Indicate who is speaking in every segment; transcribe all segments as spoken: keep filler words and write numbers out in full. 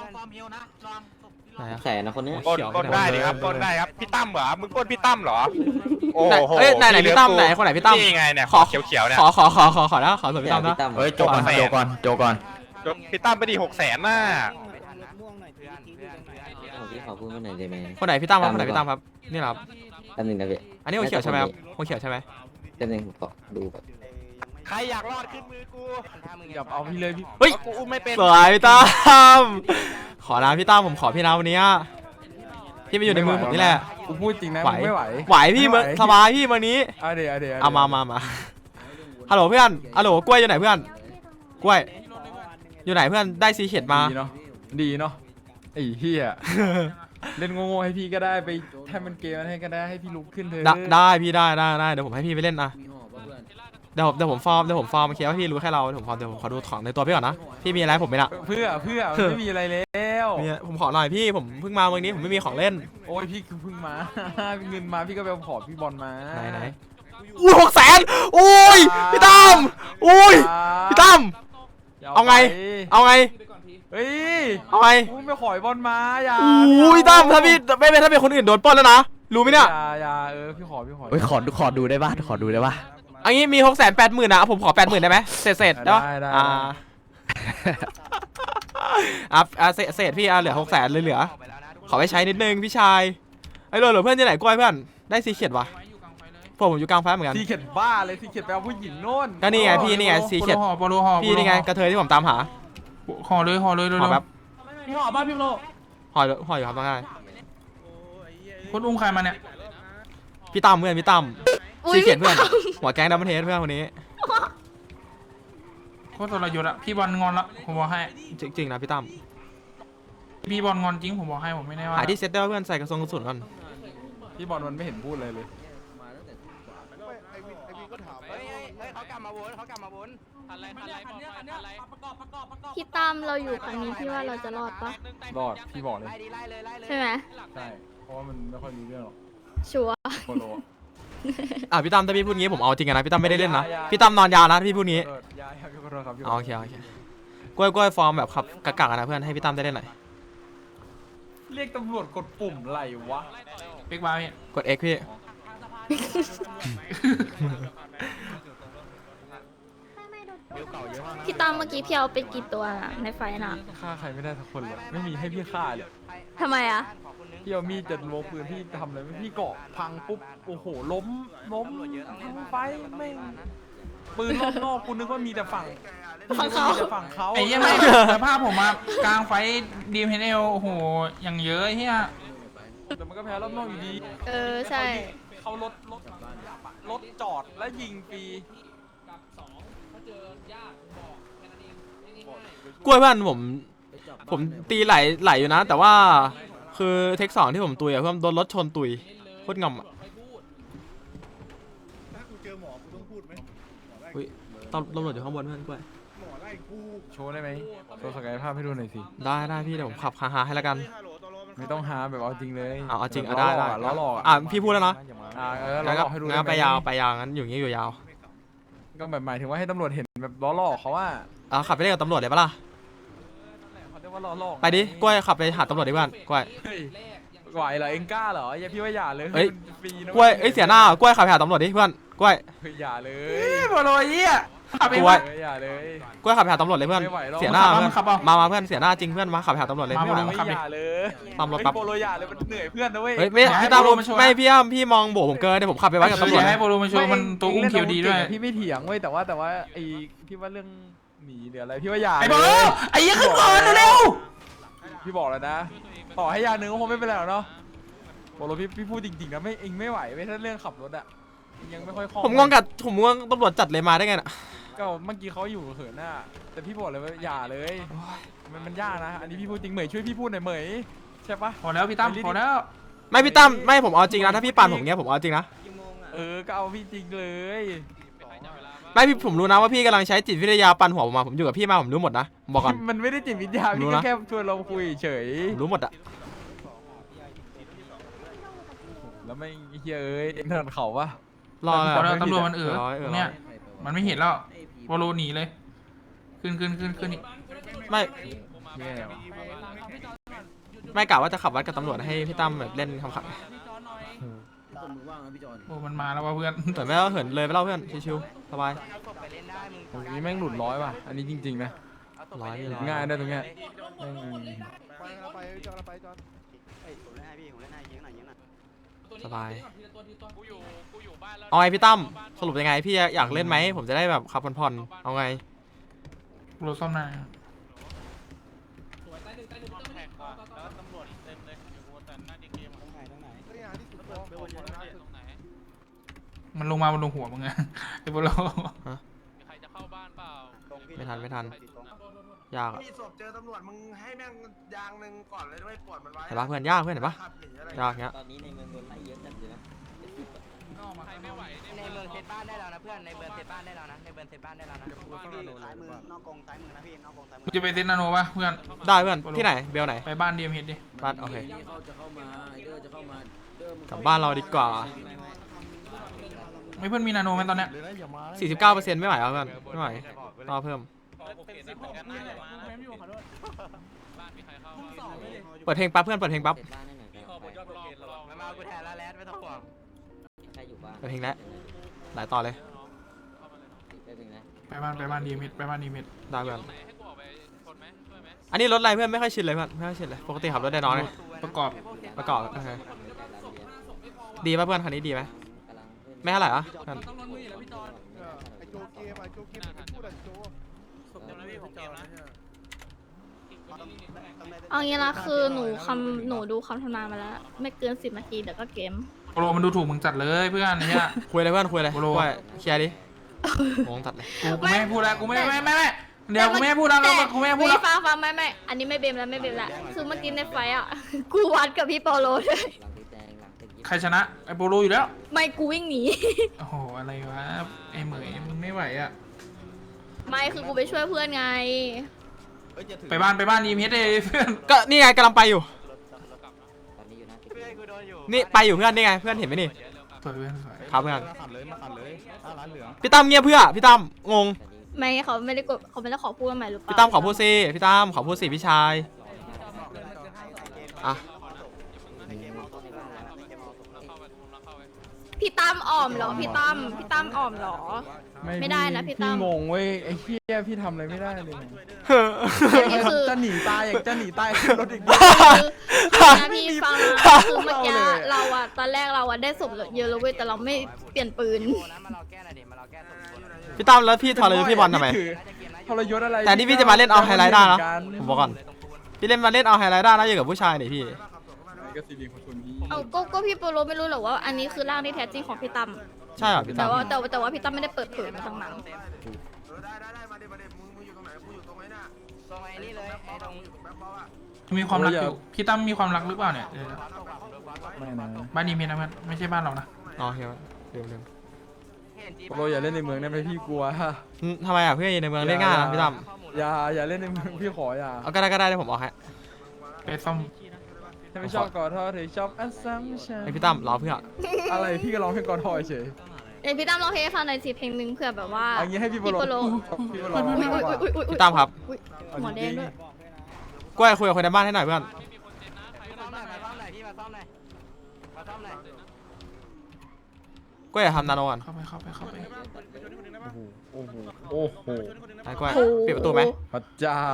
Speaker 1: แสนนะคนนี้
Speaker 2: ปนปนได้ดิครับปนได้ครับพี่ตั้มเหรอมึงปนพี่ตั้มเหรอโอ้โห
Speaker 3: เอ้ยไหนไหนพี่ตั้มไหนคนไหนพี่ตั้ม
Speaker 2: นี่ไงเนี่ย
Speaker 3: ขอ
Speaker 2: เขียวเขียวเนี่ย
Speaker 3: ขอขอขอขอขอนะขอส่วนพี่ตั้มนะ
Speaker 1: เฮ้ยโจก่อนโจก่อนโจก่อน
Speaker 2: พี่ตั้มไปดิหกแสนน่ะ
Speaker 1: พี่ขอพูดมาหน่อยได้ไหม
Speaker 3: คนไหนพี่ตั้มครับคนไหนพี่ตั้มครับนี่เหรอครับ
Speaker 1: แป๊บนึงนะพี่
Speaker 3: อันนี้หัวเขียวใช่ไหมครับหัวเขียวใช่ไหม
Speaker 1: แป๊บนึงผมขอดูก่อน
Speaker 2: ใครอยากรอดขึ้นมือกู
Speaker 4: อย่าเอาพี่เลยพี่
Speaker 3: เฮ้ย
Speaker 2: กูอุ้มไม่เป็น
Speaker 3: สวยพี่ตั้มขอนะพี่ตั้มผมขอพี่นะวันนี้พี่ไปอยู่ในมือผมนี่แหละ
Speaker 4: กูพูดจริงนะ
Speaker 3: ไหว
Speaker 4: ไม่ไหว
Speaker 3: ไหวพี่เมื่อสบายพี่วันนี้
Speaker 4: เอาเดี๋ยวเอาเดี๋ยว
Speaker 3: เอามามามาฮัลโหลเพื่อนฮัลโหลกล้วยอยู่ไหนเพื่อนกล้วยอยู่ไหนเพื่อนได้ซีเข็ดมา
Speaker 4: ดีเนาะดีเนาะไอ้เหี้ยเล่นโง่ๆให้พี่ก็ได้ไปแทำเป็นเกมให้ก็ได้ให้พี่ลุกขึ้นเถอะ
Speaker 3: ได้ได้พี่ได้ได้ได้เดี๋ยวผมให้พี่ไปเล่นนะเดี๋ยวผมเดี๋ยวผมฟอร์มเดี๋ยวผมฟอร์มเคลียร์ว่าพี่รู้แค่เราเดี๋ยวผมฟอร์มเดี๋ยวผมขอดูของในตัวพี่ก่อนนะพี่มีอะไรให้ผมไหมล่ะ
Speaker 4: เพื่อเพื่อมันไม่มีอะไรแล้ว
Speaker 3: มีผมขอหน่อยพี่ผมเพิ่งมาเมืองนี้ผมไม่มีของเล่น
Speaker 4: โอ้ยพี่คือเพิ่งมา เงินมาพี่ก็ไปขอพี่บอลมา
Speaker 3: ไหนไหนอุ้ยหกแสนอุ้ยพี่ตั้มอุ้ยพี่ตั้ม เอาไง เอาไง
Speaker 4: เฮ้ย
Speaker 3: เอาไง
Speaker 4: กูไม่ขอยบอลมาอย่า
Speaker 3: อุ้ยตั้มถ้าพี่ไม่เป็นถ้าเป็นคนอื่นโดนปล้นแล้วนะรู้ไหมเนี่ย
Speaker 4: อย่าอย่าเออพี่ขอพี่ขอ
Speaker 1: เฮ้ยขอดูขอดูได้ป่ะขอดูได้ป่ะ
Speaker 3: อันนี้มีหกแสนแปดหมื่นนะผมขอแปดหมื่นได้ไหมเศษเศษได้ปะอ่าอ่ะเศษเศษพี่อ่ะเหลือหกแสนเลยเหลือขอไปใช้นิดนึงพี่ชายไอ้เหลือเหลือเพื่อนที่ไหนกล้วยเพื่อนได้ซีเขียดวะพวกผมอยู่กลางไฟเหมือนกัน
Speaker 4: ซีเข็ดบ้าเลยซีเข็ดไปเอาผู้หญิงโน่น
Speaker 3: ก็นี่ไงพี่นี่ไงซีเขียด
Speaker 5: โปโลห่อ
Speaker 3: พี่นี่ไงกระเทยที่ผมตามหา
Speaker 5: ห่อเลยห่อเลยเร็ว
Speaker 3: ห่อแบบ
Speaker 5: พี่ห่อบ้านพี่โล
Speaker 3: ห่อห่ออยู่ครับต้องได้
Speaker 5: คนอุ้มใครมาเนี่ย
Speaker 3: พี่ตั้มเพื่อนพี่ตั้มซีเขียดเพื่อนหัวแก๊งดับเบิลเทสเพื่อนคนนี้
Speaker 5: โคตรทรยศอะพี่บอลงอนละผมบอกให้
Speaker 3: จริงๆนะพี่ตั้ม
Speaker 5: พี่บอลงอนจริงผมบอกให้ผมไม่ได้ว่า
Speaker 3: หาที่เซ็ตได้เพื่อนใส่กระทรงกระสุนก่อน
Speaker 4: พี่บอลมันไม่เห็นพูดเลยเลย
Speaker 2: เขากลับมาวนเขากลับมาวน
Speaker 6: พี่ตั้มเราอยู่ครั้งนี้พี่ว่าเราจะรอดปะ
Speaker 4: รอดพี่บอกเลย
Speaker 6: ใช่ไหม
Speaker 4: ใช่เพราะว่ามันไม่ค่อยรู้เรื่องหรอก
Speaker 6: ชัวร์
Speaker 4: โปโล
Speaker 3: อ่ะพี่ตั้มถ้าพี่พูดงี้ผมเอาจริงนะพี่ตั้มไม่ได้เล่นนะพี่ตั้มนอนยาวนะพี่พูดงี้
Speaker 4: เออยายครับพี่ขอโทษครับพี่
Speaker 3: โอเคโอเคกล้วยกล้วยฟอร์มแบบขับกะกะนะเพื่อนให้พี่ตั้มได้เล่นหน่อย
Speaker 4: เรียกตำรวจกดปุ่มไหลวะ
Speaker 5: เป๊กบาร์พี่
Speaker 3: กด X พี่
Speaker 6: พี่ตั้มเมื่อกี้พี่เอาไปกี่ตัวน่ะในไฟน่ะ
Speaker 4: ฆ่าใครไม่ได้สักคนเลยไม่มีให้พี่ฆ่าเลย
Speaker 6: ทำไมอะ
Speaker 4: พี่เอามีดจะโลปืนพี่ทำอะไรไม่พี่เกาะพังปุ๊บโอ้โหล้มล้มทั้งไฟไม่ปืนรอบนอกกูนึกว่ามีแต่ฝั่ง
Speaker 6: ฝั่งเขา
Speaker 4: มีแต่ฝั่งเขา
Speaker 5: ไอ้เหี้ยังไม่สภาพผมมากลางไฟดีมเฮนเอลโอ้โหอย่างเยอะเฮีย
Speaker 4: แต่มันก็แพ้รอบนอกอยู่ดี
Speaker 6: เออใช่
Speaker 4: เขารถรถรถจอดและยิงฟรี
Speaker 3: กล้วยเพื่อนผมผมตีไหลไหลอยู่นะ แต่ว่าคือเทคสองที่ผมตุยอะเพื่อนโดนรถชนตุยโคตรงำอะอุ้ยตำตำรวจอยู่ข้างบนเพื่อนกล้วย
Speaker 4: โชว์ได้ไหมโชว์ศักยภาพให้ดูหน่อยสิ
Speaker 3: ได้ได้พี่เดี๋ยวผมขับฮาๆให้แล้วกัน
Speaker 4: ไม่ต้องหาแบบเอาจริงเลย
Speaker 3: เอาเอาจริงอ่ะได้ได้
Speaker 4: ล้อหลอก
Speaker 3: อ่ะพี่พูดแล้วเนาะ
Speaker 4: อ่ะเออล้
Speaker 3: งั้
Speaker 4: อน หล
Speaker 3: ก็
Speaker 4: อกให้ดู
Speaker 3: งั้นไป
Speaker 4: ด้หม
Speaker 3: ยาวไปยาวงั้นอยู่อย่างงี้อยู่ยาว
Speaker 4: ก็แบบหมายถึงว่าให้ตำรวจเห็นแบบล้อหลอกเขาว่า
Speaker 3: อ่ะขับไปเล่นกับตำรวจเลยปะล่ะ
Speaker 4: เขาเรียกว่าล้อหลอก
Speaker 3: ไปดิกล้วยขับไปหาตำรวจดิเพื่อนกล้วย
Speaker 4: เฮ้ยไหวเหรอเอ็งกล้าเหรออย่าพี่ว่าอย่าเลย
Speaker 3: เฮ้ย
Speaker 4: มันฟรีนะ
Speaker 3: กล้วยเอ้ยเสียหน้ากล้วยขับไปหาตำรวจดิเพื่อนกล้วย
Speaker 4: เฮ้ยอย่าเลย
Speaker 5: โปโลเฮียขับเอง
Speaker 3: กล้วย
Speaker 5: วะ
Speaker 4: เฮ้ยอย่าเลย
Speaker 3: กล้วยขับไปหาตำรวจเลยเพื่อน
Speaker 4: ไม่ไหวหรอก
Speaker 3: เสียหน้า
Speaker 5: ขับ
Speaker 3: เพื่อน
Speaker 5: ขับเอา
Speaker 3: มามาเพื่อนเสียหน้าจริงเพื่อนมาขับไปหาตำรวจเลย
Speaker 5: มา
Speaker 3: ไม่ไหว
Speaker 5: มา
Speaker 4: ไม่อย่าเลย
Speaker 3: ตามรถปั๊บ
Speaker 4: เฮ้ยโปโลอย่าเลยมันเหนื่อยเพื่อนนะเว้ย
Speaker 3: เฮ้ยไม่
Speaker 5: อย่าให้
Speaker 3: พี่ตาม
Speaker 5: โปรมาโชว์นะ
Speaker 3: ไม่พี่อ้ํพี่มองโบผมเกินเดี๋ยวผมขับไปไว้กับตำรวจ
Speaker 5: อย่า
Speaker 3: นะ
Speaker 5: ให้โปโลมาโชว์มันตัวอุ้มเคียวดีด้วย
Speaker 4: พี่ไม่เถียงเว้ยแต่ว่าแต่ว่าไอ้พี่ว่าเรื่องหนีหรืออะไรพี่ว่าอย่า
Speaker 5: ไอ้โปโล
Speaker 4: เลย
Speaker 5: ไอ้เหี้ยังขึ้นก่อนเร็ว
Speaker 4: พี่บอกแล้วนะต่อให้ยาหนึ่งก็คงไม่เป็นไรหรอกเนาะโปโลพี่พี่พูดจริงๆนะไม่เองไม่ไหวเว้ยถ้าเรื่องขับรถอะยังไม่ค่อยคล่อง
Speaker 3: ผมงงกับผมงงตำรวจจัดเลยมาได้ไงน่ะ
Speaker 4: ก็เมื่อกี้เขาอยู่เหินหน้าแต่พี่บอกเลยว่าอย่าเลยมันมันยากนะอันนี้พี่พูดจริงเหมยช่วยพี่พูดหน่อยเหมยใช่ปะ
Speaker 5: พอแล้วพี่ตั้มพอแล้ว
Speaker 3: ไม่พี่ตั้มไม่ผมเอาจริงนะถ้าพี่ปานผมเงี้ยผมเอาจริงนะ
Speaker 4: เออก็เอาพี่จริงเลย
Speaker 3: ไม่พี่ผมรู้นะว่าพี่กำลังใช้จิตวิทยาปั่นหัวผมมาผมอยู่กับพี่มาผมรู้หมดนะบอกก่อน
Speaker 4: มันไม่ได้จิตวิทยา
Speaker 3: รู้
Speaker 4: พี่
Speaker 3: นะ
Speaker 4: ก็แค่ชวนเราคุยเฉย
Speaker 3: ผมรู้หมดอะ
Speaker 4: แล้วไม่เฮียเอ้ยเอ็งถนัดเขาปะ
Speaker 3: รอ
Speaker 5: พอแล้วตำรวจมันเออ
Speaker 3: ร้อยเออ
Speaker 5: เนี่ยมันไม่เห็นแล้วโปโลหนีเลยขึ้นขึ้นขึ้นขึ้นอีก
Speaker 3: ไม่
Speaker 4: แย่ว่ะ
Speaker 3: ไม่กะว่าจะขับวัดกับตำรวจให้พี่ตั้มแบบเล่นคำขับ
Speaker 5: โอ้มันมาแล้วว่ะเพื่อน
Speaker 3: แต่ไม่ว่าเหินเลยไปเล่าเพื่อนชิวๆสบาย
Speaker 4: ตรงนี้แม่งหลุดร้อยว่ะอันนี้จริงๆนะ
Speaker 3: ร้อยนี่ร้อย
Speaker 4: ง่ายได้ตรงเนี้ยแม่ง
Speaker 3: สบายเอาไงพี่ตั้มสรุปยังไงพี่อยากเล่นไหมผมจะได้แบบขับผ่อนๆเอาไง
Speaker 5: รถซ่อมหน้ามันลงมามันลงหัวมึงไงไอ้พวกเรา
Speaker 3: ไม่ทันไม่ทันยากอะ
Speaker 7: มีศพเจอตำรวจมึงให้แม่งยางหนึ่งก่อนเลยด้วยปวดมันไว้
Speaker 3: เห็นปะเพื่อนยากเพื่อนเห็นปะ
Speaker 7: ขับหนีอะไร
Speaker 3: ยากเงี้ย
Speaker 1: ตอนนี้ในเมืองโดนไล่เยอะจัดเลยนะ
Speaker 8: ในเมืองเซตบ้านได้แล้วนะเพื่อนในเมืองเซตบ้านได้แล้วนะในเมืองเซตบ้านได้แล้วนะ
Speaker 7: ซ้ายมือนอกกองซ้ายมือนะพี่นอกกองซ้ายมื
Speaker 5: มึงจะไปเซนนาโนปะเพื่อน
Speaker 3: ได้เพื่อนที่ไหนเบลไหน
Speaker 5: ไปบ้านดีเอ็มเฮดดิ
Speaker 3: บ้านโอเคกลับบ้านเราดีกว่า
Speaker 5: ไม่เพื่อนมีนาโนไหมตอนเนี้ย
Speaker 3: สี่สิบเก้าเปอร์เซ็นต์ไม่ไหวแล้วเพื่อนไม่ไหวต่อเพิ่มเปิดเพลงปั๊บเพื่อนเปิดเพลงปั๊บ
Speaker 1: เสร็จบ้านได้หน่อยก็ไป
Speaker 8: มามากูแทนแล้วแลนไม่ต้องห่วง
Speaker 1: ใครอยู่บ้าน
Speaker 3: เปิดเพลงแล้วหลายต่อเลย
Speaker 1: แป๊บนึงนะ
Speaker 5: ไปบ้านไปบ้านดีเอ็มเฮดไปบ้านดีเอ็มเฮด
Speaker 3: ได้เพื่อนอันนี้รถอะไรเพื่อนไม่ค่อยชินเลยเพื่อนไม่ค่อยชินเลยปกติขับรถได้น้อยเลย
Speaker 5: ประกอบ
Speaker 3: ประกอบโอเค
Speaker 1: กำลังเรียน
Speaker 3: ดีป่ะเพื่อนคันนี้ดีไหม
Speaker 1: กำลังขึ้น
Speaker 3: ไม่เท่าไหร่อะเพื่อน
Speaker 7: ไอโจเกมไอโจเกมพูดอะโจ
Speaker 6: เอางี้ละคือหนูคำหนูดูคำทำนายมาแล้ว ไม่เกินสิบนาทีเดี๋ยวก็เกม
Speaker 5: โปรมันดูถูกมึงจัดเลยเพื่อนเนี่ย
Speaker 3: คุยเลยเพื่อนคุยเลย
Speaker 5: โปร
Speaker 3: คุยเคลียร์ดิงงตัดเลย
Speaker 5: กูกูไม่ให้พูดแล้วกูไม่ไม่ไม่ไม่เดี๋ยวกูไม่ให้พูดแล้วกูไม่ให้พูดแล้ว
Speaker 6: ฟังฟังไม่ไม่อันนี้ไม่เบมแล้วไม่เบมแล้วคือเมื่อกี้ในไฟอ่ะ กูวัดกับพี่ปอโลด้วย
Speaker 1: หลังตีแดงหลังตียิ้ม
Speaker 5: ใครชนะไอ้โปโลอยู่แล้ว
Speaker 6: ไม่กูวิ่งหนี
Speaker 5: โอ้โหอะไรวะไอ้เหมยมึงไม่ไหวอ่ะ
Speaker 6: ไม่คือกูไปช่วยเพื่อนไง
Speaker 5: ไปบ้านไปบ้านดีเอ็มเฮดเลยเพื่อน
Speaker 3: ก็นี่ไงกำลังไปอยู่
Speaker 1: ตอนนี้อยู่นะ
Speaker 8: เพื่อนกูโดนอยู่
Speaker 3: นี่ไปอยู่เพื่อนนี่ไงเพื่อนเห็นไหมนี่
Speaker 5: สวยเพื่อนสวย
Speaker 3: ครับเพื่อน
Speaker 4: ขัดเลยมาขัดเลยห้าล้านเหลือง
Speaker 3: พี่ตั้มเงียบเพื่อพี่ตั้มงง
Speaker 6: ไม่เขาไม่ได้กดเขาไม่ได้ขอพูดใหม่หรือเปล่า
Speaker 3: พี่ตั้มขอพูดสิพี่ตั้มขอพูดสิพี่ชายอ่ะ
Speaker 6: พี่ตั้มอ่อมเหรอพี่ตั้มพี่ตั้มอ่อมเหรอ ไม่ได้นะพี่ตั้ม
Speaker 4: งงเว้ยไอ้เหี้ยพี่ทำอะไรไม่ได้เลย
Speaker 6: อันนี้คือ
Speaker 4: จะหนีตายอยากจะหนีตายขึ้นรถอีกนิด
Speaker 6: คือนะพี่ฟังนะคือเมื่อกี้
Speaker 4: เอาเลย
Speaker 6: เราอะตอนแรกเราอะได้ศพเยอะแล้วเว้ยแต่เราไม่เปลี่ยนปืน
Speaker 8: โอ้นะมาเราแก้หน่อยดิมาเราแก้ตัวคนหน่อยดิ
Speaker 3: พี่ตั้มแล้วพี่ทรยศพี่บอลทำไม
Speaker 4: ถือทรยศอะไร
Speaker 3: แต่นี่พี่จะมาเล่นเอาไฮไลท์ได้นะ
Speaker 4: กั
Speaker 3: ผมบอกก่อนพี่เล่นมาเล่นเอาไฮไลท์ได้นะอยู่กับผู้ชายนี่พี่
Speaker 4: ก็ซีบีคนชนพี่
Speaker 6: เอาก็ก็พี่โปโลไม่รู้หรอกว่าอันนี้คือร่างที่แท้จริงของพี่ตั้ม
Speaker 3: ใช่เหรอพี่
Speaker 6: แต่
Speaker 3: ตั้ม
Speaker 6: ว่าแต่ว่าแต่ว่าพี่ตั้มไม่ได้เปิดเผยมาทั้งนั้น
Speaker 7: เออได้ได้ได้มาเด็มาเด็มึงมึงอยู่ตรงไหนกูอยู่ตรงไหนน่ะ
Speaker 8: ตรงไอ้นี่เลยไอ้ตรง
Speaker 7: อยู่ตรงแบ็คบอลอะ
Speaker 5: มีความรักอยู่พี่ตั้มมีความรักหรือเปล่าเนี่ยเออ
Speaker 4: ไม่นะ
Speaker 5: บ้านดีเอ็มเฮดนะเพื่อนไม่ใช่บ้านเรานะ
Speaker 3: อ๋อโอเคเดี๋ยวเดี๋ยว
Speaker 8: เห็นจี
Speaker 4: โปรอย่าเล่นในเมืองได้ไหมพี่กลัว
Speaker 3: อืมทำไมอ่ะเพื่อนในเมืองเล่นง่ายนะพี่ตั้ม
Speaker 4: อย่าอย่าเล่นในเมืองพี่ขออย่า
Speaker 3: เอาก็ได้ก็ได้เดี๋ยวผมเอาให้
Speaker 5: ไปซ่อม
Speaker 4: ถ้าไม่ชอบกอดทอถือชอบอัสซัมชัน
Speaker 3: ให้พี่ตั้มรอเพื่อ
Speaker 4: อะไรพี่ก็ร้องเพลงกอดทอเฉย
Speaker 6: เอ้ยพี่ตั้มร้องเพลงให้ฟังหน่อยสิเพลงหนึ่งเผื่อแบบว่า
Speaker 4: อันนี้ให้พี่โปร
Speaker 6: พี่โปโล
Speaker 4: พี่โปร
Speaker 6: อุ้ยอุ้ยอุ้ยอุ้ยอุ้ย
Speaker 3: พี่ตั้มครับ
Speaker 6: อุ๊ยหมอแดงด้วย
Speaker 3: กล้วยคุยกับคนในบ้านให้หน่อยเพื่อน
Speaker 8: มาซ่อมหน่อยมาซ่อมหน่อยพี่มาซ่อมหน่อยมาซ่อมหน่อย
Speaker 3: กล้วยอย่าทำนาโนก่อน
Speaker 5: เข้าไปเข้าไปเข้าไป
Speaker 4: โอ้โหโอ้โห
Speaker 3: ไอ้กล้วยปิดประตูไหม
Speaker 4: พระเจ้า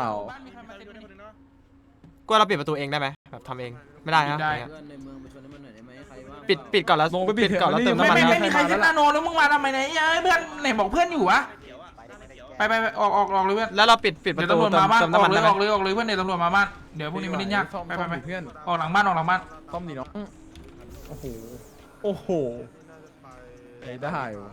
Speaker 3: กล้วยเราปิดประตูเองได้ไหมแบบทำเองไม่ได้ครับ
Speaker 5: ได้
Speaker 3: อย่างเงี้ยปิดปิดก่อนแล้วปิดก่อนแล้วเติม
Speaker 5: ไม่
Speaker 3: น้ำมัน
Speaker 5: ไม่
Speaker 3: นะ
Speaker 5: ไม่มีใครเซนนาโนแล้วมึงมาทำไมเนี่ยเอ้ยเพื่อนไหนบอกเพื่อนอยู่วะไปไปไปออกออกออกเลยเพื่อน
Speaker 3: แล้วเราปิดปิดป
Speaker 5: เดี๋ย
Speaker 3: ระ
Speaker 5: ว
Speaker 3: ตู
Speaker 5: ตำรวจ
Speaker 3: เติม
Speaker 5: มาบ้าน
Speaker 3: เติม
Speaker 5: อ
Speaker 3: น้ำ
Speaker 5: อ
Speaker 3: มัน
Speaker 5: กเล
Speaker 3: ได้
Speaker 5: ย
Speaker 3: ไหม
Speaker 5: ออกเลยออกเลยเพื่อนเดี๋ยวตำรวจมาบ้านเดี๋ยวพวกนี้มันเล่นยาก
Speaker 4: ซ่อม
Speaker 5: ไปไปไป
Speaker 4: เพื่อน
Speaker 5: ออกหลังบ้านออกหลังบ้าน
Speaker 4: ซ่อมดิเนาะโอ้โหโอ้โหไอ้ได้วะ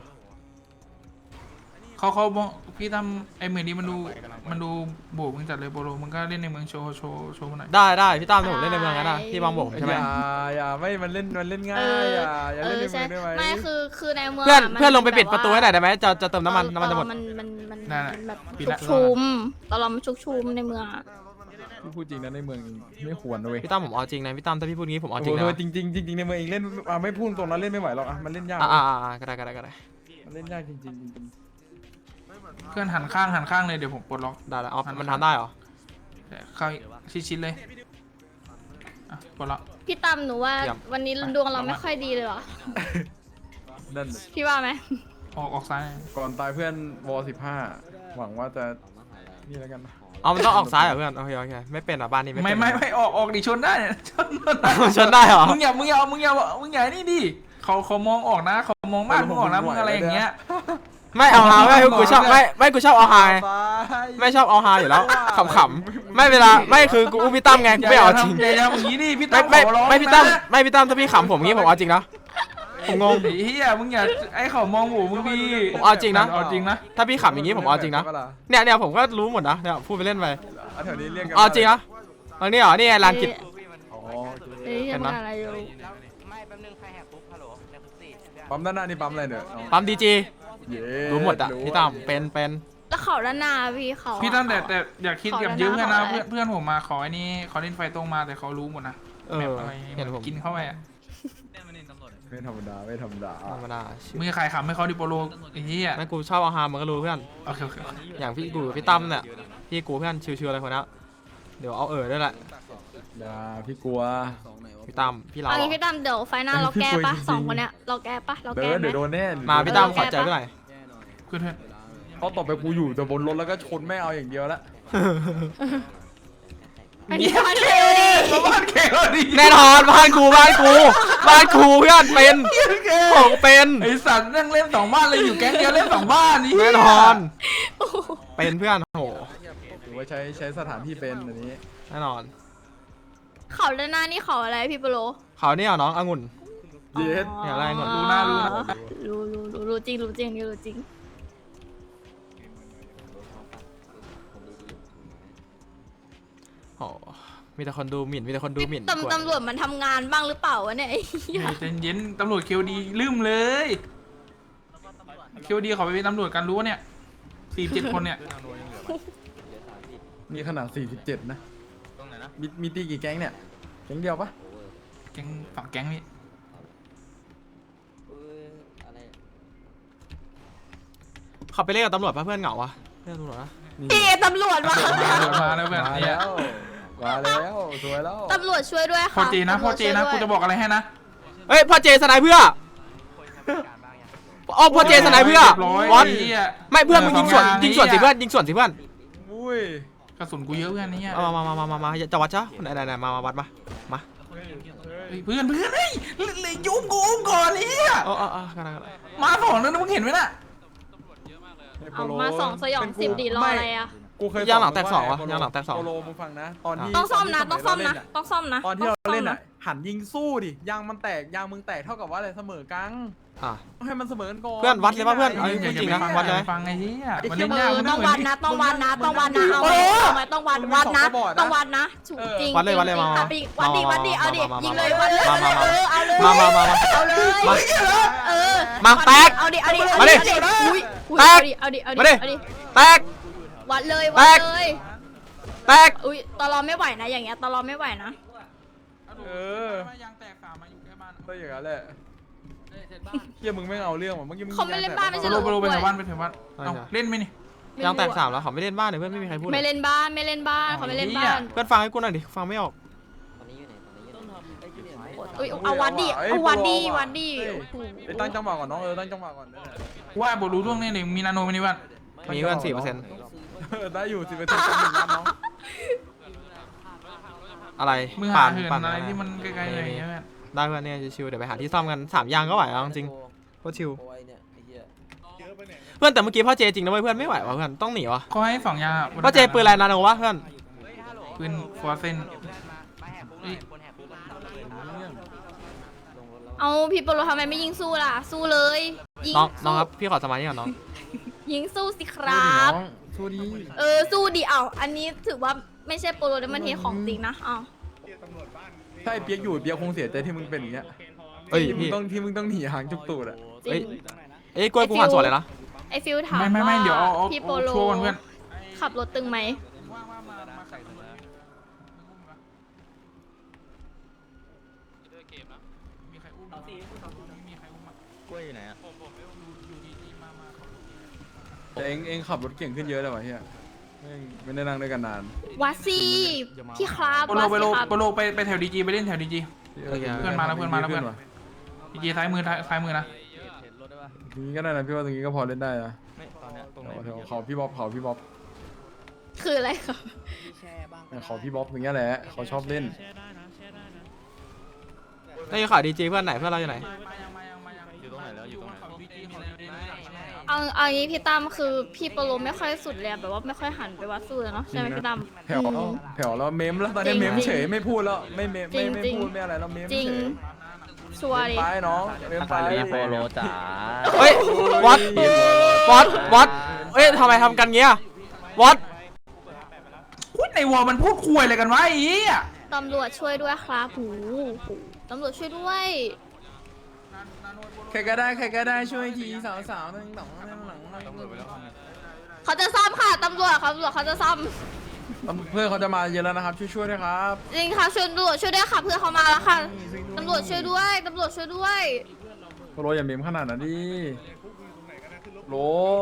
Speaker 5: เขาเขาบอกพี่ทำไอ้เหมือนนี้มันดูมันดูโบกมึงจัดเลยโปโลมึงก็เล่นในเมืองโชว์โชว์โชว์มาหน่อย
Speaker 3: ได้ได้พี่ตั้มถ้าผมเล่นในเมืองกันนะพี่บางบอกผมใช่ไหม
Speaker 4: อย่าอย่าไม่มันเล่นมันเล่นง่า
Speaker 6: เอย อ
Speaker 4: อย่าอย่า
Speaker 6: เอ
Speaker 4: เล่น
Speaker 6: อ
Speaker 4: ในเมื
Speaker 6: ใช่
Speaker 4: องได้ไหม
Speaker 6: ไม่คือคือในเมือง
Speaker 3: เพื่อน
Speaker 6: มั
Speaker 3: เพื่อนลงไปปิด
Speaker 6: แบบ
Speaker 3: ประตูให้หน่อยได้ไหมจะจะเติมน้ำมันน้ำมันจะหมด
Speaker 6: มันมันมัน
Speaker 5: ได้ได้
Speaker 6: มันแบบ
Speaker 5: ปิด
Speaker 6: ชุ
Speaker 5: ละ
Speaker 6: กชุมตอนเรามันชุกชุมในเมืองอะ
Speaker 4: พี่พูดจริงนะในเมืองไม่ควรนะเว้ย
Speaker 3: พี่ตั้มผมเอาจริงนะพี่ตั้มถ้าพี่พูดงี้ผมเอาจริง
Speaker 4: โอ้
Speaker 3: นะ
Speaker 4: โหจริงจริงจริงๆในเมืองเองเล่นอ่ะไม่พูดตรงนั้นเล่นไม่ไหวหรอกอ่ะมันเล่นยาก
Speaker 3: อ่าอ่าอ่าก็ได้ก็ได้ก็ได้
Speaker 4: มันเล่นยากจริงๆจริง
Speaker 5: เพื่อนหันข้างหันข้างเลยเดี๋ยวผมปลดล็อก
Speaker 3: ได้แล้วอ๋อมันทำได้เหรอ
Speaker 5: เข้าชิดๆเลยอ่ะกดละ
Speaker 6: พี่ตั้มหนูว่า
Speaker 3: เยี่ยม
Speaker 6: วันนี้ดวงเราไม่ค่อยดีเลยเหรอ
Speaker 4: นั่น
Speaker 6: พี่ว่าไหม
Speaker 5: ออกออกซ้าย
Speaker 4: ก่อนตายเพื่อนวอสิบห้าหวังว่าจะนี่แล้วกัน
Speaker 3: เอามันต้องออกซ้ายเหรอเพื่อนโอเคโอเคไม่เป็นอ่ะบ้านนี้ไม่
Speaker 5: ไม่
Speaker 3: เป็น
Speaker 5: ไม่ไม่ออกออกดิชนได้เนี่ยชน
Speaker 3: ชนได้เหรอ
Speaker 5: มึงอย่ามึงอย่ามึงอย่ามึงอย่านี่ดิเขาเขามองออกนะเขามองบ้านมึงออกนะมึงอะไรอย่างเงี้ย
Speaker 3: ไม่เอาฮาไม่กูชอบไม่ไม่กูชอบเอาฮาไม่ชอบเอาฮาอยู่แล้วขำๆไม่เวลาไม่คือกูอุ้มพี่ตั้มไงกูไม่เอาจริง
Speaker 5: อย่าอย่าอย่างนี้ดิพี่
Speaker 3: ไม่
Speaker 5: ตั้ม
Speaker 3: ไม่
Speaker 5: ขอร้อง
Speaker 3: ไม่พี่ตั้ม
Speaker 5: นะ
Speaker 3: ไม่พี่ตั้มถ้าพี่ขำผมงี้ผมเอาจริงนะผมงง
Speaker 5: ไอ้เฮียมึงอย่าไอ้เขามองหูมึงดี
Speaker 3: ผมเอาจริงนะ
Speaker 5: เอาจริงนะ
Speaker 3: ถ้าพี่ขำอย่างงี้ผมเอาจริงนะเนี่ยเนี่ยผมก็รู้หมดนะเนี่ยพูดไปเล่นไป
Speaker 4: แถวนี้เรียกกัน
Speaker 3: เอาจริงนะตอนนี้เหรอนี่ไงลานกิจ
Speaker 4: อ๋อ
Speaker 6: เอ้ยยังอะไรอยู่
Speaker 8: ไม่แป๊บนึงใครแหกปุ๊บฮัลโหลในคุกสี่
Speaker 4: ปั๊มด้านหน้านี่ปั๊มอะไรเนี่ย
Speaker 3: ปั๊มดีจี
Speaker 4: เย้
Speaker 3: รู้หมดอ่ะพี่ตั้มเป็นเป็น
Speaker 6: แล้วเขาด้านหน้าพี่เขา
Speaker 5: พี่ตั้มแต่แต่อยากคิด
Speaker 6: ขอ
Speaker 5: กับ
Speaker 6: แล้วนะ
Speaker 5: ยืมกันนะ
Speaker 6: ขอแล้ว
Speaker 5: เพื่อนเพื่อนผมมาขอไอ้นี่เขาเล่นไฟตรงมาแต่เขารู้หมดนะ
Speaker 3: เออ
Speaker 5: แบบอะไร
Speaker 3: เห็นผม
Speaker 5: กินเข้าไปอ่ะ
Speaker 4: ไม่ธรรมดาไม่ธรรมดา
Speaker 3: ธรรมดาชิว
Speaker 5: มือขายขำให้เขาดิโปโลไอ้เหี้ย
Speaker 3: ไม่กูชอบเอาฮามันก็รู้เพื่อน
Speaker 5: โอเคโอเค
Speaker 3: อย่างพี่กูกับพี่ตั้มเนี่ยพี่กูเพื่อนชิวๆอะไรคนนี้เดี๋ยวเอาเออด้วยแหละ
Speaker 4: อย่าพี่กลัว
Speaker 3: พี่ตั้มพี่เรา
Speaker 6: เอางี้พี่ตั้มเดี๋ยวไฟหน้าเราแก้ปะสองคนเนี้ยเราแก้ปะเรา
Speaker 4: เดิ
Speaker 6: แก้
Speaker 4: น
Speaker 6: ไหม
Speaker 4: เดี๋ยวโดนแน่
Speaker 3: มาพี่ตั้มขอใจด้วยหน่อย
Speaker 5: เพื่อนเพื่อน
Speaker 4: เขาตบไปกูอยู่แต่บนรถแล้วก็ชนไม่เอาอย่างเดียวละ
Speaker 6: อันนี้มันเร็วดิ
Speaker 5: บ้านเขียวดิ
Speaker 3: แน่นอนบ้านกูบ้านกูบ้านกูเพื่อนเป็นของเป็น
Speaker 5: ไอสัตว์นั่งเล่นสองบ้านเลยอยู่แก๊งเดียวเล่นสองบ้านนี่
Speaker 3: แน่นอนเป็นเพื่อนโห
Speaker 4: ถือว่าใช้ใช้สถานที่เป็นอันนี้
Speaker 3: แน่นอน
Speaker 6: เขาด้านหน้านี่เขาอะไรพี่โปโล
Speaker 3: เขาเนี่ยน้ององุ่น
Speaker 4: เย็ด
Speaker 3: อย่าไล่ก่อน
Speaker 5: รู้หน้ารู้นะ
Speaker 6: รู้รู้รู้รู้จริงรู้จริงนี่รู้จริง
Speaker 3: โอ้มีแต่คนดูหมิ่นมีแต่คนดูหมิ่น
Speaker 6: ตำตำรวจมันทำงานบ้างหรือเปล่าวะเนี่ยไอ้เหี้ย
Speaker 5: ใจเย็นตำรวจเคียวดีลืมเลยเคียวดีเขาไปเป็นตำรวจกันรู้เนี่ยสี่เจ็ดคนเนี่ย
Speaker 4: นี่ขนาดสี่สิบเจ็ดนะมีมีตีกี่แก๊งเนี่ยแก๊งเดียวปะ
Speaker 5: แก๊งฝั่งแก๊งนี่
Speaker 1: เอออะไร
Speaker 3: เขาไปเล่นกับตำรวจปะเพื่อนเหงาวะเล่นกับตำรวจนะ
Speaker 6: พี่ตำรวจมา
Speaker 5: มาแล้วเพื่อน
Speaker 4: มา
Speaker 5: เนี่ย
Speaker 4: แล้วมาแล้วสวยแล้ว
Speaker 6: ตำรวจช่วยด้วย
Speaker 5: พ่อ
Speaker 6: ค่ะ
Speaker 5: เจนะพ่อเจนะกูจะบอกอะไรให้นะ
Speaker 3: เฮ้ยพ่อเจสไนเพื่ออ๋อพ่อเจสไนเพื่อ
Speaker 5: เรียบร้อย
Speaker 3: วัด
Speaker 5: ไอ้เหี้ย
Speaker 3: ไม่เพื่อนมึงยิงสวน
Speaker 5: เออ
Speaker 3: ยิงสวนสิเพื่อนยิงสวนสิเพื่อน
Speaker 4: อุ้ย
Speaker 5: กระสุนกูเยอะเพื่อนนี่
Speaker 3: เอามามามามามาจะวัดจ้ะไหนไหนไหนมามาวัดมามา
Speaker 5: เพื่อนเพื่อนเฮ้ยเลยยุ่งกูอุ้มก่อนนี่
Speaker 3: เออเออเออกันกัน
Speaker 5: มาสองแล้วนะมึงเห็นไหมน่ะ
Speaker 6: เอามาสองสยองสิบดีรออะไรอ่ะ
Speaker 4: กูเคย
Speaker 3: ย่างหลังแตกสองวะ
Speaker 4: โปโล
Speaker 3: ย่างหลังแตกสอง
Speaker 4: โปโลมึงฟังนะตอนที่
Speaker 6: ต้องซ่อมนะ
Speaker 4: ต
Speaker 6: ต้องซ่อมนะ
Speaker 4: สย
Speaker 6: ต้องซ่อมนะ
Speaker 4: ตอนที่เราเล่น
Speaker 6: ต้
Speaker 4: อ่ะ
Speaker 6: งซ่ม
Speaker 4: หันยิงสู้ดิยางมันแตกยางมึงแตกเท่ากับว่าอะไรเสมอกัง
Speaker 3: อ่ะ
Speaker 4: ต้องให้มันเสมอกันก่อน
Speaker 3: เพื่อนวัดเลยปะเพื่อน
Speaker 5: อย่าอย่า
Speaker 3: จริงๆนะ
Speaker 5: ไปฟัง
Speaker 3: วัดเลย
Speaker 5: อย่าไปฟังไอ้เหี้ยมัน
Speaker 6: เอ
Speaker 5: เล่นยาก
Speaker 6: อ
Speaker 5: มัน
Speaker 6: ต้อง
Speaker 5: เหมื
Speaker 6: วั
Speaker 5: อน
Speaker 6: ดนะต้องวัดนะต้องวัดนะเอาไว้เอาไว้ต้องวัดวัดนะต้องวัดนะถูกจริง
Speaker 3: วัดเลยวัดเลย
Speaker 6: จริ
Speaker 3: มาง
Speaker 6: อ่ะไปวัดดิวัดดิเอาดิ
Speaker 3: มามามา
Speaker 6: ยิงเลยวัดเลย
Speaker 3: มามามา
Speaker 6: เออเอาเลย
Speaker 3: มามามามา
Speaker 6: เอาเลย
Speaker 3: มา
Speaker 6: เออ
Speaker 3: มาแตก
Speaker 6: เอาดิเอาดิ
Speaker 3: มาดิ
Speaker 6: อุ้ยอุ้ย
Speaker 3: แตก
Speaker 6: เอาดิเอาดิ
Speaker 3: มาดิ
Speaker 6: เอาดิ
Speaker 3: แตก
Speaker 6: วัดเลย
Speaker 3: แต
Speaker 6: วัด
Speaker 3: ก
Speaker 6: เลย
Speaker 3: แตก
Speaker 6: อุ้ยตลอดไม่ไหวนะอย่างเงี้ยตลอดไม่ไหวนะ
Speaker 4: เออ
Speaker 5: ยางแตกสามมาอยู่แค่บ้าน
Speaker 4: ก็อย่างนั้นแหละเฮียมึงไม่เอาเรื่องว่ะเมื่อกี้มึง
Speaker 6: เขาไม่เล่นบ้านไม่
Speaker 5: โป
Speaker 6: ใช่
Speaker 5: โล
Speaker 6: เหรอ
Speaker 5: โปโลไปแถวบ้านไปแถวบ้านเอาเล่นไหมนี่
Speaker 3: ยางแตกสามแล้วเขาไม่เล่นบ้านเลยเพื่อนไม่มีใครพูดเล
Speaker 6: ไม่
Speaker 3: ย
Speaker 6: เล่นบ้านไม่เล่นบ้านเขาไม่เล่นบ้าน
Speaker 3: เพื่อนฟังให้กูหน่อยดิฟังไม่ออก
Speaker 1: ตอนนี้อยู่ไหนตอนนี้อยู่ไหน
Speaker 6: อุ้ยเอาวัดดิเอาวัดดิวัดดิโอ้โห
Speaker 4: ไปตั้งจังหวะก่อนน้องเออตั้งจังหวะก่อน
Speaker 5: ว่าบทรู้ร่วงเนี่ยมีนาโนมินิวัน
Speaker 3: มีเพื่อนสี่เปอร์เซ็นต์
Speaker 4: เออได้อยู่สิบเปอร์เซ็นต์หนึ่งล้านน้อง
Speaker 3: อะไร
Speaker 5: มือหาเหินอะไรที่มันใกล้ๆอะไรอย่างเงี้ย
Speaker 3: ได้เพื่อนเนี่ยชิวๆเดี๋ยวไปหาที่ซ่อมกันสามยางก็ไหวแล้วจริงโคตรชิว
Speaker 1: โอ้ยเนี่ยไอ้เหี้ย
Speaker 3: เพื่อนแต่เมื่อกี้พ่อเจจริงนะเว้ยเพื่อนไม่ไหวว่ะเพื่อนต้องหนีวะ
Speaker 5: เขาให้สองยาง
Speaker 3: พ่อเจปืนอะไรนาโนวะเพื่อน
Speaker 5: ปืนฟอร์เซน
Speaker 8: มาแหกปุ๊บเลยคนแหกปุ๊บมันทำเลยนะ
Speaker 1: ลงรถแล้ว
Speaker 6: เอาพี่โปโลทำไมไม่ยิงสู้ล่ะ สู้เลยยิง
Speaker 3: น้องน้
Speaker 6: สู้
Speaker 3: องครับพี่ขอสมาธิก่อนน้อง
Speaker 6: ยิงสู้สิครับ
Speaker 4: สู้ดี
Speaker 6: เออสู้ดิเอาอันนี้ถือว่าไม่ใช่โปโลแต่มันเทของจริงนะเอา
Speaker 4: ถ้าไอ้เปียกอยู่เปียกคงเสียใจที่มึงเป็นอย่างเงี้ย
Speaker 3: เอ้ย
Speaker 4: ที่มึง
Speaker 3: พี่
Speaker 4: ต้องที่มึงต้องหนีหางจุกตูดอ่ะ
Speaker 6: จริง
Speaker 3: เอ้ยกล้วยกูหันสวนเลยนะ
Speaker 6: ไอฟิลถาม
Speaker 5: ไม่ไม่ไม่
Speaker 6: ว่า
Speaker 5: เดี๋ยวเอาเอา
Speaker 6: พี่โปโล
Speaker 5: ชัวร์ก่อนเพื่อน
Speaker 6: ขับรถตึงไหม
Speaker 5: มีใครอุ้มมีใครอุ้ม
Speaker 8: กล้วยอยู่ไหนอ่ะ
Speaker 5: อยู่ดีๆมามาเขา
Speaker 4: แต่เองเองขับรถเก่งขึ้นเยอะเลยวะเฮียไม่ไม่ได้นั่งด้วยกันนาน
Speaker 6: วัดสิพี่ครับ
Speaker 5: โปโล
Speaker 6: วัด
Speaker 5: ไป
Speaker 6: สิ
Speaker 5: โล
Speaker 6: ครับ
Speaker 5: โปโลไปไปแถวดีจีไปเล่นแถวดีจี เพื่อนมาแล้วเพื่อนมาแล้วเพื่อน
Speaker 4: ว่ะ
Speaker 5: ดีจีซ้ายมือซ้ายมือนะ
Speaker 4: ตรงนี้ก็ได้นะพี่ว่าตรงนี้ก็พอเล่นได้นะ
Speaker 1: ไม่ตอนเนี้ยตรงไหน
Speaker 4: แถวเขาพี่บ๊อบเขาพี่บ๊อบ
Speaker 6: คืออะไรครับ
Speaker 4: เขาพี่บ๊อบอย่างเงี้ยแหละเขาชอบเล่น
Speaker 3: นี่ขอดีจีเพื่อนไหนเพื่อนเราอยู่ไหน
Speaker 5: อยู่ตรงไหนแล้วอยู่ตรงไหน
Speaker 6: เอาเอางี้พี่ตั้มคือพี่โปโลไม่ค่อยสุดเลยอะแบบว่าไม่ค่อยหันไปวัดสู้เลยเนาะใช่ไหมพี่ตั้ม
Speaker 4: แผ่ว
Speaker 6: อืม
Speaker 4: แผ่วแล้วเมมแล้วตอนนี้
Speaker 6: จริง
Speaker 4: เมม
Speaker 6: จริง
Speaker 4: เฉยไม่พูดแล้วไม่เมมไม่ไม่
Speaker 6: จริง
Speaker 4: พูดไม่อะไรแล้วเมม
Speaker 6: จริ
Speaker 4: เฉ
Speaker 6: ง
Speaker 4: ย
Speaker 6: ชัวร์ดิ
Speaker 4: ไปน้องเมมไป
Speaker 1: โปโลจ๋า
Speaker 3: เฮ้ยวัดวัดวัดเอ้ยทำไมทำกันเงี้ยวัด
Speaker 5: พูดในวอลมันพูดคุยอะไรกันวะไอ้เหี้ย
Speaker 6: ตำรวจช่วยด้วยครับหูหูตำรวจช่วยด้วย
Speaker 4: ใครก็ได้ใครก็ได้ช่วยทีสาวสาวตั้งต่องตั้งหลัง
Speaker 6: เขาจะซ่อมค่ะตำรวจครับตำรวจเขาจะซ่อม
Speaker 4: เพื่อนเขาจะมาเยอะแล้วนะครับช่วยช่วยด้วยครับ
Speaker 6: จริงค่ะช่วยตำรวจช่วยด้วยค่ะเพื่อนเขามาแล้วค่ะตำรวจช่วยด้วยตำรวจช่วยด้วย
Speaker 4: โรอย่าเมมขนาดนั้นดิโร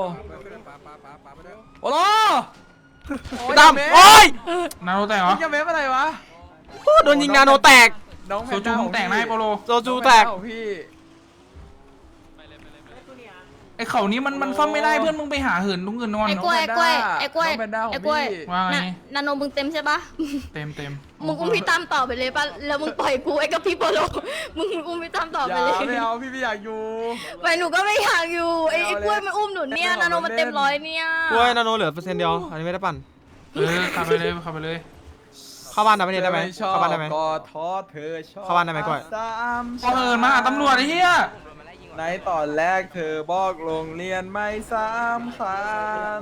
Speaker 4: โอ้โห
Speaker 3: พี่ตั้มโอ้ย
Speaker 5: นาโนแตกเหรอ
Speaker 4: จะเมมอะไรวะ
Speaker 3: โดนยิงนาโนแตก
Speaker 4: น้อง
Speaker 5: โซจูมึงแตกนะไอ้โปโล
Speaker 3: โซจูแตก
Speaker 4: พี่
Speaker 5: ไอ้เขานี้มันมันซ่อมไม่ได้เพื่อนมึงไปหาเหินตรงอื่นนอน
Speaker 6: ไอ้กล้วยไอ้กล้วยไอ้กล้วย
Speaker 4: น้องแพนด้าของ
Speaker 6: ไอ้กล้วย
Speaker 4: พี่
Speaker 5: ว่าไง
Speaker 6: น่ะนาโนมึงเต็มใช่ปะ
Speaker 5: เต็มเต็ม
Speaker 6: มึงอุ้มพี่ตั้มต่อไปเลยป่ะแล้วมึงปล่อยกูไอ้กับพี่โปโลมึงอุ้มพี่ตั้มต่อ
Speaker 4: อ
Speaker 6: ไป
Speaker 4: ย่า
Speaker 6: เลย
Speaker 4: ไม่เอาพี่ไม่อยากอยู่
Speaker 6: ไปหนูก็ไม่อยากอยู่ไอ้ไอ้กล้วยมันอุ้มหนูเนี่ยนาโนมันเต็มร้อยเนี่ย
Speaker 3: กล้วยนาโนเหลือเปอร์เซ็นต์เดียวอันนี้ไม่ได้ปั่น
Speaker 5: เออขับไปเลยขับไปเลย
Speaker 3: เข้าบ้านได้ไหมเนี่ยได้ไหม
Speaker 4: ชอบ
Speaker 3: เข้าบ้านได้ไหม
Speaker 4: ก็ท้อเธอชอบ
Speaker 3: เข้าบ้านได้ไหมก้อย
Speaker 4: สาม
Speaker 5: พอเหินมาหาตำรวจไอ้เหี้ย
Speaker 4: ในตอนแรกเธอบอกโรงเรียนไม่สามคัน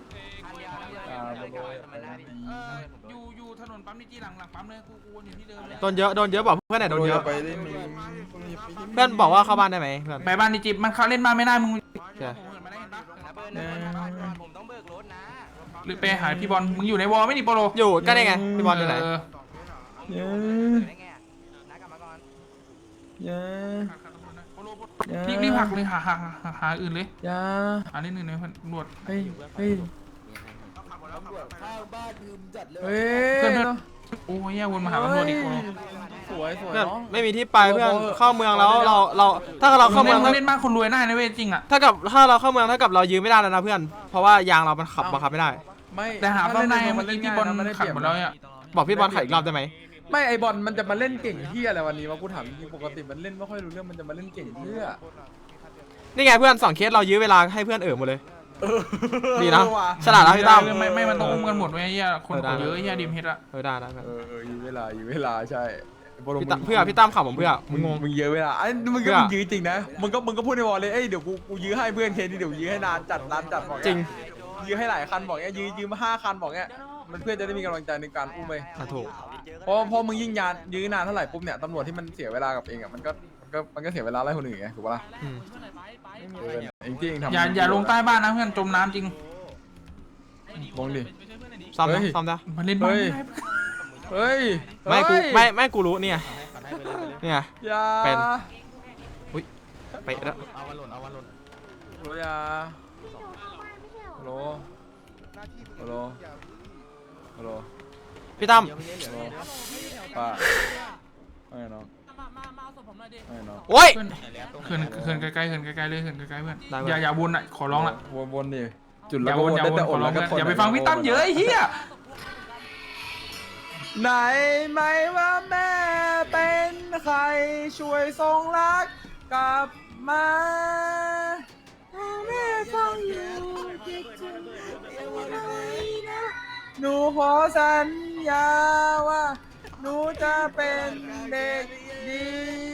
Speaker 5: อยู่อยู่ถนนปั๊มดีจีหลังหลังปั๊มเลยกูกูวนอยู่ที่เดิมเลย
Speaker 3: โดนเยอะโดนเยอะบอกเพื่อนไหนโดนเยอะ
Speaker 4: ไปเล่นมี
Speaker 3: เพื่อนบอกว่าเข้าบ้านได้ไหมเพื่อน
Speaker 5: ไปบ้านดีจีมันเข้าเล่นมาไม่ได้มึง
Speaker 3: โอเค
Speaker 8: ผมต้องเบิกรถนะ
Speaker 5: หรือไปหาพี่บอลมึงอยู่ในวอลไม่ดิโปโล
Speaker 3: อยู่ก็ได้ไงพี่บอลอยู่ไหน
Speaker 5: เ
Speaker 4: เย้
Speaker 8: ได้ไงน้ากลับมาก่อน
Speaker 4: เย้
Speaker 5: รีบรีบหักเลยหาหาหาหาอื่นเลย
Speaker 4: ยา
Speaker 5: หาเล่นอื่นเลยเพื่อนตำรวจ
Speaker 4: เฮ้ยเฮ้ย เฮ้ย
Speaker 5: เพื่อนเพื่อนโอ้ยแย่วนมาหาตำรวจอีกโปโล
Speaker 4: สวยสวย
Speaker 3: เพื่อน
Speaker 4: น้อง
Speaker 3: ไม่มีที่ไปเพื่อนเข้าเมืองแล้วเราเราถ้าเราเข้าเมือง
Speaker 5: มึ
Speaker 3: ถ้าง
Speaker 5: เล่นบ้านคนรวยได้นะเว้ยจริงอ่ะ
Speaker 3: ถ้ากับถ้าเราเข้าเมืองเท่ากับเรายืมไม่ได้แล้วนะเพื่อน เพราะว่ายางเรามันขับบังคับไม่ได้
Speaker 4: ไม่
Speaker 5: แต่หาซ่อมได้เมื่อ
Speaker 4: เล่
Speaker 5: กี้
Speaker 4: น
Speaker 5: พี่บอล
Speaker 4: ง่ายนะไม่ได้
Speaker 5: ขัด
Speaker 4: เปรียบ
Speaker 5: หมดแล้วอ่ะ
Speaker 3: บอกพี่บอลขัดอีกรอบได้ไหม
Speaker 4: ไม่ไอบอลมันจะมาเล่นเก่งที่อะไรวันนี้วะกูถามจริงๆปกติมันเล่นไม่ค่อยรู้เรื่องมันจะมาเล่นเก่งเพื่อ
Speaker 3: นี่ไงเพื่อนสองเคสเรายื้อเวลาให้เพื่อนเอ๋อหมดเลย ดีนะฉลาดนะพี่ตั้ม
Speaker 5: ไม่ไม่มันต้องอุ้มกันหมดเว้ยไอ้เหี้ยคนคนเยอะไอ้เหี้ยดิมเฮดอะ
Speaker 3: เออได้ได้เพื่อน
Speaker 4: เออเอออยู่เวลาอยู่เวลาใช่บอล
Speaker 3: พี่
Speaker 4: มึ
Speaker 3: ตั้ม
Speaker 4: ง
Speaker 3: เพื่อพี่ตั้มขับผมเพื่อมึ
Speaker 4: มึ
Speaker 3: ง
Speaker 4: ง
Speaker 3: งง
Speaker 4: มึงเยอะเวลาไอ้มึง
Speaker 3: เพื่
Speaker 4: ก็
Speaker 3: อ
Speaker 4: มึงยื้อจริงนะมึงก็มึงก็พูดในวอลเลยเอ้ยเดี๋ยวกูกูยื้อให้เพื่อนเคนี่เดี๋ยวยื้อให้นานจัดนานจัดบอก
Speaker 3: จริง
Speaker 4: ยื้อให้หลายคันบอกเงี้ยยื้อยื้อมาห้าคันบอกเงี้ยมันเพื่อนจะได้มีกำลังใจในการอุ้มไป
Speaker 3: อ่ะถูก
Speaker 4: เพราะเพราะมึงยิ่งยานยื้อนานเท่าไหร่ปุ๊บเนี่ยตำรวจที่มันเสียเวลากับเองอ่ะมันก็มันก็มันก็เสียเวลาไล่คนอื่นไงถูกปะล่ะ
Speaker 3: อืม
Speaker 4: เออเองที่เองทำ
Speaker 5: อย่าอย่าลงใต้บ้านนะเพื่อนจมน้ำจริง
Speaker 4: ลงดิ
Speaker 3: ซ่อมนะ
Speaker 4: เฮ้ย
Speaker 3: ซ่อมนะ
Speaker 5: มันเล่นบ้าน
Speaker 4: เฮ้ย
Speaker 5: ไม่ได้
Speaker 4: เฮ้ย
Speaker 3: ไม่กู
Speaker 4: เฮ้ย
Speaker 3: ไม่ไม่กูรู้เนี่ยเนี่ย
Speaker 4: อย่า
Speaker 3: เป็น ไปแล้ว
Speaker 4: โหลอย่าโหลโหลโหล
Speaker 3: พี่ตั้ม
Speaker 4: ป้าไม่น้องไม่น้อง
Speaker 3: โอ้ย
Speaker 5: เขื่อนเขื่อนไกลๆเขื่อนไกลๆเลยเขื่อนไกลๆเพื่อน
Speaker 3: ได้เว้ย
Speaker 5: อย่าอย่าวนอ่ะขอร้องละ
Speaker 4: วนวนดิจุด
Speaker 5: อ
Speaker 4: แล้ว
Speaker 5: ย่า
Speaker 4: ก็
Speaker 5: ว
Speaker 4: วน น
Speaker 5: อย่า
Speaker 4: ได้
Speaker 5: วน
Speaker 4: แต่
Speaker 5: ข
Speaker 4: อ
Speaker 5: อ
Speaker 4: ด แล้วก็ทน
Speaker 5: ร้องเพื่อนอย่าไปฟังพี่ตั้มเยอะไอ้เหี้ย
Speaker 4: ไหนไหมว่าแม่เป็นใครช่วยส่งรักกลับมาแม่ฟังอยู่คิดถึงไหนนะหนูขอสัญญาว่าหนูจะเป็นเด็กดี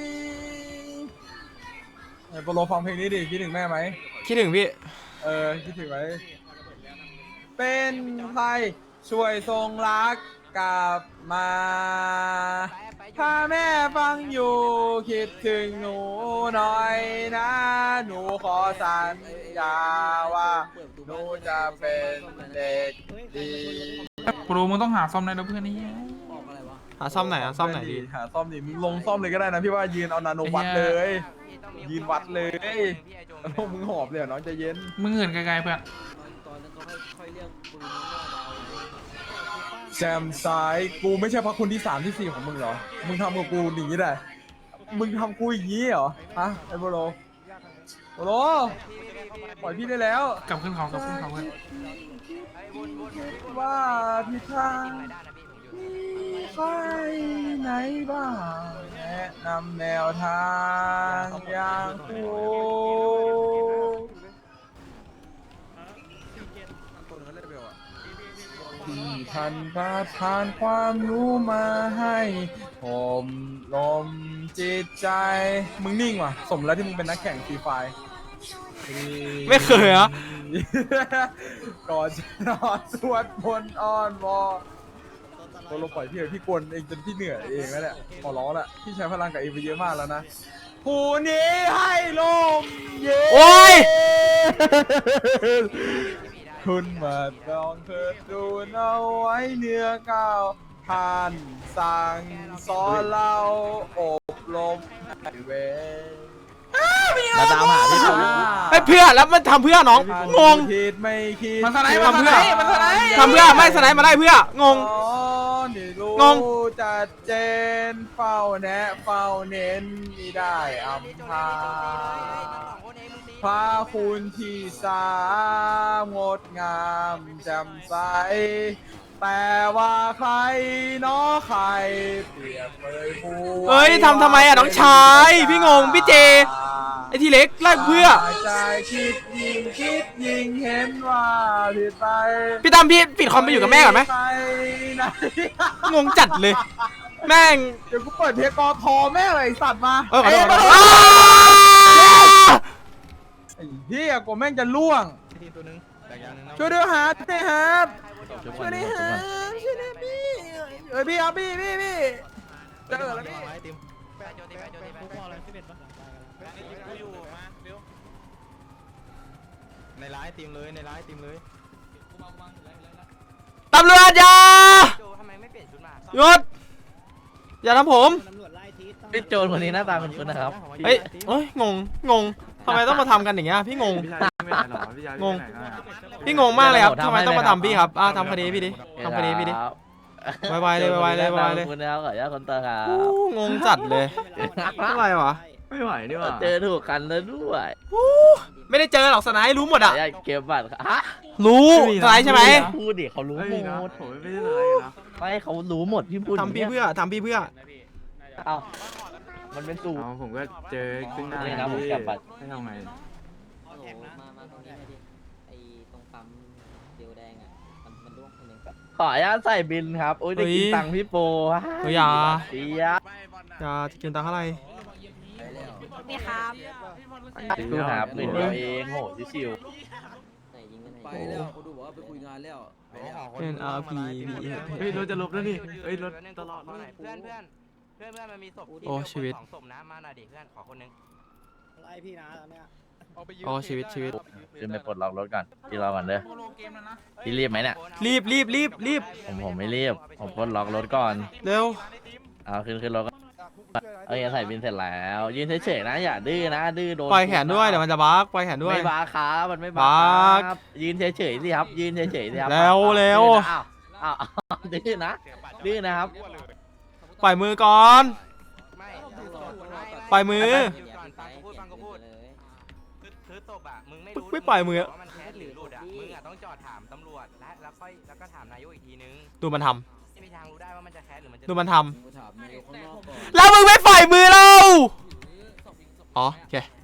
Speaker 4: ไอ้โปโลฟังเพลงนี้ดิคิดถึงแม่ไหม
Speaker 3: คิดถึงพี่
Speaker 4: เออคิดถึงไหมเป็นใครช่วยส่งรักกลับมาถ้าแม่ฟังอยู่คิดถึงหนูหน่อยนะหนูขอสัญญาว่าหนูจะเป็นเด็กดี
Speaker 5: โปรมึงต้องหาซ่อมได้แล้วเพื่อนไอ้เหี้ย
Speaker 1: บอกอะไรวะ
Speaker 3: หาซ่อมไหนอะซ่อมไหนดี
Speaker 4: หาซ่อมดิมึงลงซ่อมเลยก็ได้นะพี่ว่ายืนเอานาโนวัดเลย ยืนวัดเลยแล้วมึงหอบเลยเหรอน้องใจเย็น
Speaker 5: มึงเหินไกลๆเพื่อน
Speaker 1: ตอนนั้นเขาค่อยค่อยเรียกปืนมา
Speaker 4: แจมซ้ายกูไม่ใช่พระคุณที่สามที่สี่ของมึงเหรอมึงทำกับกูอย่างนี้ได้มึงทำกูอย่างนี้เหรอฮะไอ้โบโลโบโลปล่อยพี่ได้แล้ว
Speaker 5: กลับขึ้นเขากลับขึ้นเขากัน
Speaker 4: ว่าพี่ทางมีใครไหนบ้างแนะนำแนวทางอย่างกูที่ท่านประทานความรู้มาให้ผมลมจิตใจมึงนิ่งว่ะสมแล้วที่มึงเป็นนักแข่งฟรีไฟร์
Speaker 3: ไม่เคยอะ
Speaker 4: ก่อนจะนอนสวดมนต์อ้อนวอนโบโลปล่อยพี่เลยพี่กวนเองจนพี่เหนื่อยเองแล้วแหละขอร้องละพี่ใช้พลังกับเองไปเยอะมากแล้วนะผู้นี้ให้ลมเย็น
Speaker 3: โอ้ย
Speaker 4: คุณมาลองเถิดดูเอาไว้เนื้อก้าวท่านสั่งสอนเราอบรมให้เว
Speaker 1: มาตามหาพี่ปู
Speaker 3: ไอ้เพื่อแล้วมันทำเพื่อน้องงง
Speaker 4: คิดไม่คิด
Speaker 5: มันสไนด์มันสไนด์มันสไนด์
Speaker 3: ทำเพื่อไม่สไนด์มาได้เพื่องง
Speaker 4: อ๋อนี่รู้
Speaker 3: งง
Speaker 4: จัดเจนเฝ้าแนะเฝ้าเน้นมิได้อำพาพระคุณที่สามงดงามแจ่มใสแต่ว่าใครเน้อใครเปรียบเปยผู้
Speaker 3: เอ้ยทำทำไมอะน้องชายพี่งงพี่เจ ไอ้ทีเล็กไล่เพื่อ
Speaker 4: ใจคิดยิ่งคิดยิ่งเห็นว่าผิดไป
Speaker 3: พี่ตั้มพี่ปิดคอมไปอยู่กับแม่ก่อนไหม
Speaker 4: ปไหน
Speaker 3: งงจัดเลย แม่ง
Speaker 4: เดี๋ยวกูเปิดเพลงกอทอแม่งเลยไอ้สัตว์มา
Speaker 3: เออขอโทษขอโทษ
Speaker 4: เอ้ย
Speaker 3: อ้า
Speaker 4: ไอ้เหี้ยกูแม่งจะล่วง
Speaker 1: ทีมตัวนึงแต่ยังนึงนะ
Speaker 4: ช่วยด้วยฮะช่วยด้วยฮะ
Speaker 1: ช่วย
Speaker 4: ช่วยด้วย
Speaker 1: ก่
Speaker 4: ฮะ
Speaker 1: อน
Speaker 4: ช่วยด้วยพี่เอ้ยพี่ครับพี่พี่พี่เจอแล้วพี่
Speaker 1: ทีม ในร้ายทีมเลยในร้ายทีมเลย
Speaker 3: ตำรวจอย่า
Speaker 8: ทำไมไม่เปลี่ยนชุดมา
Speaker 3: หยุดอย่าทำผม
Speaker 1: พี่โจรคนนี้หน้าตาเป็นคนนะครับ
Speaker 3: เฮ้ยเอ้ยงงงงทำไมต้องมาทำกันอย่างเงี้ยพี่งงงงพี่งงมากเลยครับทำไมต้องมาทำพี่ครับอ่ะทำคดีพี่ดิทำคดีพี่ดิไวๆเลยไวๆเลยไวๆเลย
Speaker 1: คุณนะครับขออนุญาตคนเตอร์ครับ
Speaker 3: อู้งงจัดเลยอะไรวะ
Speaker 9: ไม่ไหวนี่หว่า
Speaker 1: เจอถูกกันแล้วด้วย
Speaker 3: ไม่ได้เจอหรอกสไนด์รู้หมด
Speaker 1: ขอ
Speaker 3: อ่ะ
Speaker 1: อนุญาตเก็บบัตรครับฮะ
Speaker 3: รู้สไนด์ใช่ไหม
Speaker 1: พูดดิเขารู้
Speaker 9: เฮ้ย
Speaker 1: หม
Speaker 9: นะ
Speaker 1: ด
Speaker 9: ผมไม่ได้เลยนะ
Speaker 1: ไม่เขารู้หมดพี่พูด
Speaker 3: ทำพี่เพื่อทำพี่เพื่อ
Speaker 1: เอ้ามันเป็นสูตร
Speaker 9: เอาผมก็เจอซึ่งหน้า
Speaker 1: นี่นะผมแคปบัตร
Speaker 9: ให้ทำไง
Speaker 8: มามาตรงนี้หน่อยดิไอ้ตรงปั๊มเดียวแดงอ่ะมันมันร่วงคนหนึ่ง
Speaker 1: ขออนุญาตใส่บินครับโอ้ยได้กินตังค์พี่โป
Speaker 3: เฮ้ยอย่า
Speaker 1: เสีย
Speaker 3: อย่ากินตังค์เท่าไหร่
Speaker 6: นี่ครับ
Speaker 1: ดูครับหมื่นเดียวเองโหชิว
Speaker 8: ไหนยิงกันไหน
Speaker 7: ไปแล้วกูดูบอกว่าไปคุยงานแล้วไปแล้ว
Speaker 3: เป็น อาร์ พี
Speaker 9: เฮ้ยรถจะลบแล้วนี่เฮ้ยรถ
Speaker 8: ตลอดเพื่อนเพื่อนเพื่อนเพื่อนเพื่อนมันมีศพ
Speaker 3: โอ้ชีวิต
Speaker 8: สองศพนะมาหน่อยดิเพื่อนขอคนนึง
Speaker 5: ไอพี่นะเนี่ย
Speaker 3: โอ้ชีวิตชีวิต
Speaker 1: ๆขึ้นไปปลดล็อกรถก่อนพี่รอก่อนเด้อพี่รีบไหมเนี่ย
Speaker 3: รีบรีบรีบรีบ
Speaker 1: ผมผมไม่รีบผมปลดล็อกรถก่อน
Speaker 3: เร็ว
Speaker 1: เอาขึ้นขึ้นรถก่อนเอ้ยใส่บินเสร็จแล้วยืนเฉยๆนะอย่าดื้อนะดื้อโดน
Speaker 3: ปล่อยแขนด้วยเดี๋ยวมันจะบักปล่อยแขนด้วย
Speaker 1: ไม่บาครับมันไม่บา
Speaker 3: บัก
Speaker 1: ครับยืนเฉยๆสิครับยืนเฉยๆสิครับ
Speaker 3: เร็วเร็ว
Speaker 1: อ้าวอ้าวอ้าวดื้อนะดื้อนะครับ
Speaker 3: ปล่อยมือก่อน
Speaker 8: ไม่
Speaker 3: ปล่อยมือ
Speaker 8: หยุดก่อนฟังกูพูดฟังกูพูดคือคือศพอ่ะมึงไม่รู้
Speaker 3: ไม่ปล่อยมือ
Speaker 8: ว่ามันแคสหรือหลุดอ่ะมึงอ่ะต้องจอดถามตำรวจและแล้วค่อยแล้วก็ถามนายกอีกทีนึง
Speaker 3: ดูมันท
Speaker 8: ไม่มีทางรู้ได้ว่ามันจะแคสหรือมันจะ
Speaker 3: ำดูมันท
Speaker 7: กูถามนายกข้างนอกก่อน
Speaker 3: ำแล้วมึงไม่ปล่อยมือเราอ๋อโอเค